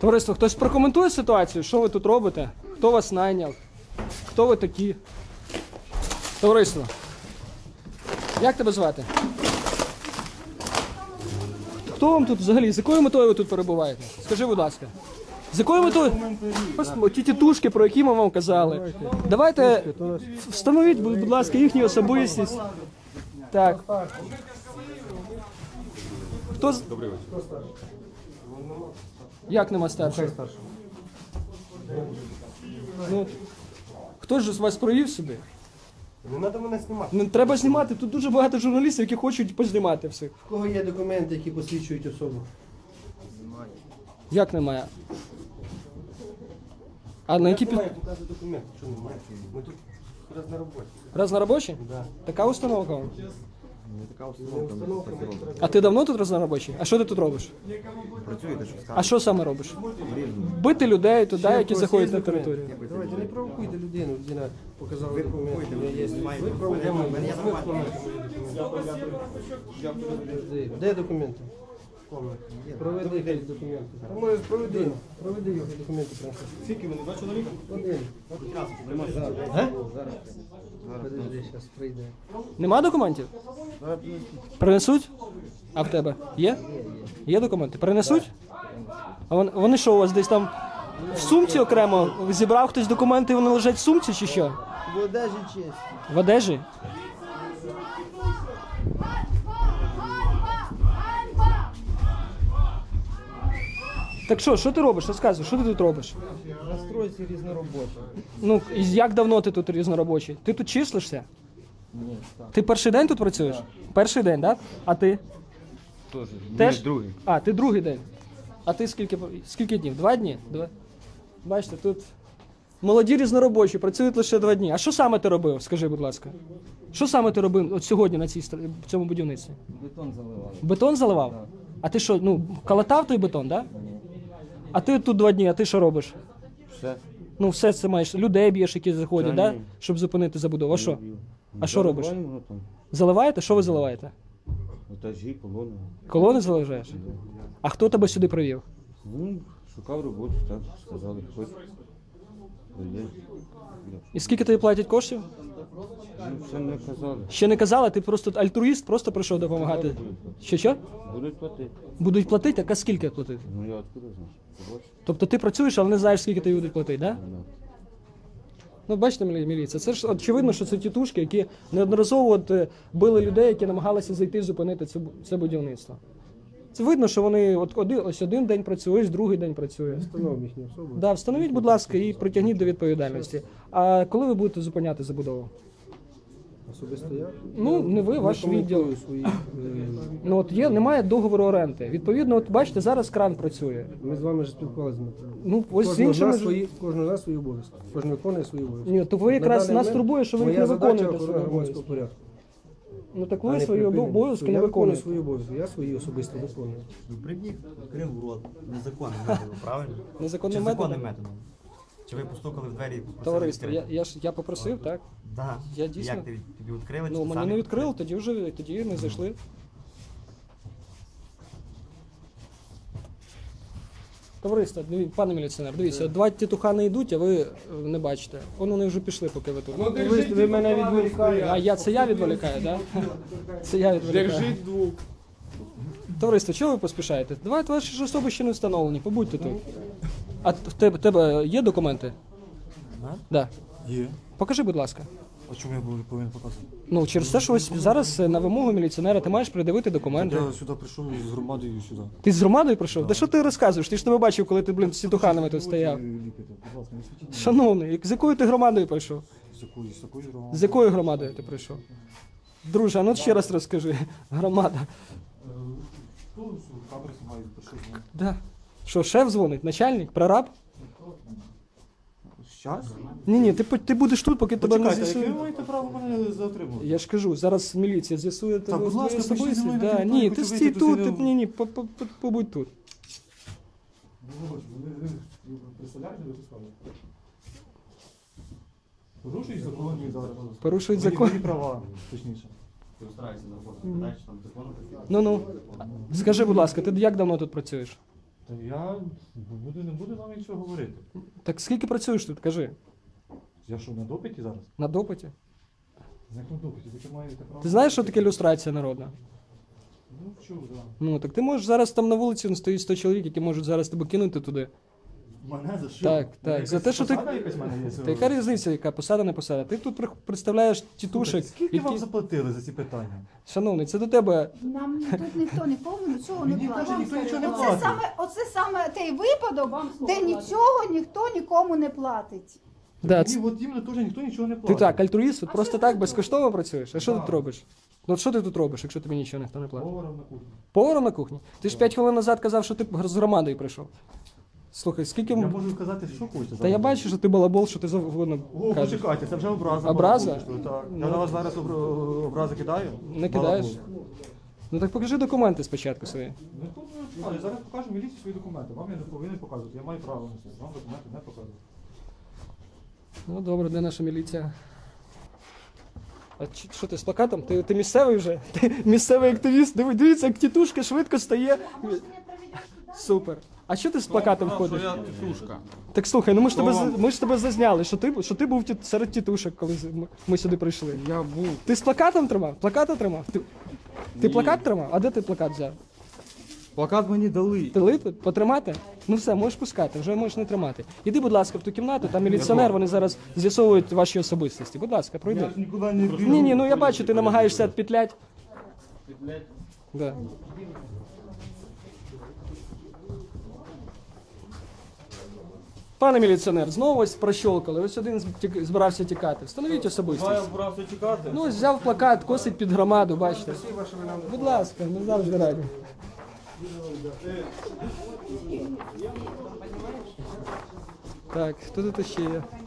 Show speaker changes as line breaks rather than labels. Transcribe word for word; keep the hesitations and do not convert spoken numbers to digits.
Товариство, хтось прокоментує ситуацію? Що ви тут робите? Хто вас найняв? Хто ви такі? Товариство, як тебе звати? Хто вам тут взагалі? З якою метою ви тут перебуваєте? Скажи, будь ласка. З якою метою? Ось ті тітушки, про які ми вам казали. Давайте встановіть, будь ласка, їхню особистість. Так. Хто з...
Добрий вечір.
Як нема старшого? Ну, хто ж з вас провів сюди?
Не треба мене знімати.
Не треба знімати. Тут дуже багато журналістів, які хочуть познімати всіх.
В кого є документи, які посвідчують особу?
Як немає? А на які під...
Немає, показує документи. Що немає? Ми тут раз на роботі.
Раз на робочий?
Да.
Така установка вам?
Не така установка, ми так і робимо.
А ти давно тут раз на робочий? А що ти тут робиш?
Працюєте, що скажете?
А що саме робиш? Бити людей туди, які заходять на територію.
Давайте, не провокуйте людину. Людина показала
Ви
документи.
провокуєте,
Є-
ви знімаєте.
Ви провокуєте.
Мене є
Де- Де документи? Проведи хай документи. А може проведи. Проведи його документи. принеси.
Скільки вони, два чоловіка?
Один. Зараз. Подожди, зараз прийде.
Нема документів? Принесуть? А в тебе? Є? Є документи? Принесуть? А вон- вони що у вас десь там в сумці окремо? Зібрав хтось документи і вони лежать в сумці чи що?
В одежі честь.
В одежі? Так що, що ти робиш? Розказуй, що ти тут робиш?
Настройці різноробочі.
Ну, і як давно ти тут різноробочий? Ти тут числишся?
Ні, так.
Ти перший день тут працюєш? Перший день, так? А ти?
Теж.
Теж?
Другий.
А, ти другий день. А ти скільки, скільки днів? Два дні? Два. Бачите, тут молоді різноробочі, працюють лише два дні. А що саме ти робив, скажи, будь ласка? Що саме ти робив от сьогодні на цій, стр- в цьому будівництві?
Бетон заливали.
Бетон заливав? А ти що, ну, калатав той бетон, так? Да? А ти тут два дні, а ти що робиш?
Все.
Ну, все це маєш, людей б'єш, які заходять,
Та
да?
ні.
Щоб зупинити забудову. А що? А що робиш? Заливаєте? Що ви заливаєте?
Етажі, колони.
Колони заливаєш? А хто тебе сюди привів?
Ну, шукав роботу, так, сказали, хоч. Є.
І скільки тобі платять коштів?
Ну, ще не казали.
Ще не казали, ти просто альтруїст, просто прийшов допомагати. Що що?
Будуть платити.
Будуть платити, а скільки платити?
Ну, я откуда знаю? Побачиш?
Тобто ти працюєш, але не знаєш, скільки тобі будуть платити, так? Да?
Ну,
Ну, бачите, мілі- міліція, це ж очевидно, що це тітушки, які неодноразово от, е, били людей, які намагалися зайти зупинити це, бу- це будівництво. Це видно, що вони от один, ось один день працює, ось другий день працює.
Встановимо їхню особу.
Да, встановіть, будь ласка, і притягніть до відповідальності. А коли ви будете зупиняти забудову?
Особисто я.
Ну, не ви, ваш
коментую
відділ.
свої, е,
Ну от є, немає договору оренди. Відповідно, от бачите, зараз кран працює.
Ми з вами вже спілкувалися, Дмитро.
Ну, ось з
Кожного з
іншими
нас
ж-
свої, кожного з нас свої обов'язки. Кожен виконує свої обов'язки.
Ні, то ви якраз
На
нас
даний
турбує, що ви їх
моя
не
задача
виконуєте
охорона
свої
громадського
обов'язки.
порядку.
Ну так
а
ви
не
свої
припинення.
обов'язки не
Я виконую
виконуєте.
свої обов'язки, я свої особисто виконую.
Прибіг, відкрив рот незаконним методом, правильно?
Незаконним
Чи законним
методом?
методом? Чи ви постукали в двері і попросили
Товариство, я,
відкрити?
я ж я попросив, так?
Да.
я дійсно-
Як ти, тобі відкрили? чи
Ну
ти
мені
сам
не
відкрив?
відкрили, тоді вже тоді ми зайшли. Товариство, диві- пане міліціонер, дивіться, два тітухани йдуть, а ви е, не бачите. Вон вони вже пішли, поки ви тут.
Ви, ви мене відволікаєте.
А я це я відволікаю, так? Да? Це я відволікаю.
Держіть двох.
Товариство, чого ви поспішаєте? Давайте ваші ж особи ще не встановлені, побудьте тут. А в тебе, тебе є документи?
Да?
Да.
Є.
Покажи, будь ласка.
А чому я був- повинен показувати?
Ну, через те, що ось зараз е, на вимогу міліціонера ти маєш придивити документи.
Я сюди прийшов з громадою сюди.
Ти з громадою прийшов? Та що ти розказуєш? Ти ж тебе бачив, коли ти, блін, з тітуханами тут стояв.
Ліпите, будь ласка, не світіть.
Шановний, з якою ти громадою прийшов?
З якою, з якою громадою?
З якою громадою ти прийшов? Друже, а ну ще раз розкажи. Громада.
Тут камери знімають, прийшов.
Да. Що, шеф дзвонить? Начальник? Прораб?
Щас?
Ні, ні, ти, по- ти будеш тут, поки тебе не
Почекайте, яке ви
з'ясують.
маєте право мене затримувати?
Я ж кажу, зараз міліція з'ясує тебе
будь ласка,
твою
пишіть зі
особистість.
мною на
Да.
телефон,
Ні,
я
ти
хочу
стій
вийти,
тут,
то
ти,
сидимо.
ні, ні, по- по- по- побудь тут.
Ви представляєте, ви писали? Порушують закон зараз.
Порушують
Мої-
закон.
мої права, точніше.
Ти стараєшся на роботу, питаєш, там закону
Ну-ну. Скажи, будь ласка, ти як давно тут працюєш?
Та
Та я буду, не буду вам нічого говорити.
Так скільки працюєш тут, кажи?
Я що, на допиті зараз?
На допиті?
Як на допиті? Ви що маєте право?
Ти знаєш, що таке люстрація народна?
Ну, чув, так.
Ну, так ти можеш зараз там на вулиці стоїть сто чоловік, які можуть зараз тебе кинути туди.
Мене за що?
Так,
Мене
так. За
якась
те, що ти.
посада якась в мене є
Та
сьогодні?
яка різниця, яка посада, не посада? Ти тут при- представляєш тітушек,
Скільки вам
які...
заплатили за ці питання?
Шановний, це до тебе.
Нам тут ніхто нікому нічого не
Мені
платить.
каже, ніхто нічого не
Оце
платить.
саме, оце саме той випадок, де нічого ніхто нікому не платить.
Да,
Мені
це...
от іменно теж ніхто нічого не
Ти
платить.
так, альтруїст, от просто так безкоштовно працюєш? А що
Так.
тут робиш? Ну от що ти тут робиш, якщо тобі нічого ніхто не платить?
Поваром на кухні.
Поваром на кухні? Ти ж п'ять хвилин назад казав, що ти з громадою прийшов. Слухай, скільки.
Я
м-
можу казати, що хочете.
Та я бачу, що ти балабол, що ти завгодно
О,
кажеш.
почекайте, це вже образа.
Образа?
Що, так.
Ну.
Я на вас зараз обр- образи кидаю?
Не кидаєш?
Балабол.
Ну так покажи документи спочатку свої.
Ну, тут, ну, я зараз покажу міліції свої документи. Вам я не повинен показувати. Я маю право на це. Вам документи не показувати.
Ну добре, де наша міліція? А чи- що ти з плакатом? Ти, ти місцевий вже? Ти місцевий активіст? Диви- Дивіться, як тітушка швидко стає. Супер. А що ти з плакатом ходиш?
Я тітушка.
Так слухай, ну ми ж тебе за- ми ж тебе зазняли, що ти що ти був ті- серед тітушок, коли з- ми- ми сюди прийшли.
Я був.
Ти з плакатом тримав? Плаката тримав? Ти, ти плакат тримав? А де ти плакат взяв?
Плакат мені дали.
Ти лити? Потримати? Ну все, можеш пускати, вже можеш не тримати. Іди, будь ласка, в ту кімнату, там міліціонер, вони зараз з'ясовують ваші особистості. Будь ласка, пройди.
Я ж нікуди не біжу.
Ні, ні, ну я бачу, ти намагаєшся відпетлять. Да. Пане міліціонер, знову ось прощолкали. Ось один з- тік- збирався тікати. Встановіть особистість.
збирався тікати.
Ну, ось взяв плакат, косить під громаду, бачите. Будь ласка, ми завжди раді. Так, хто тут ще є?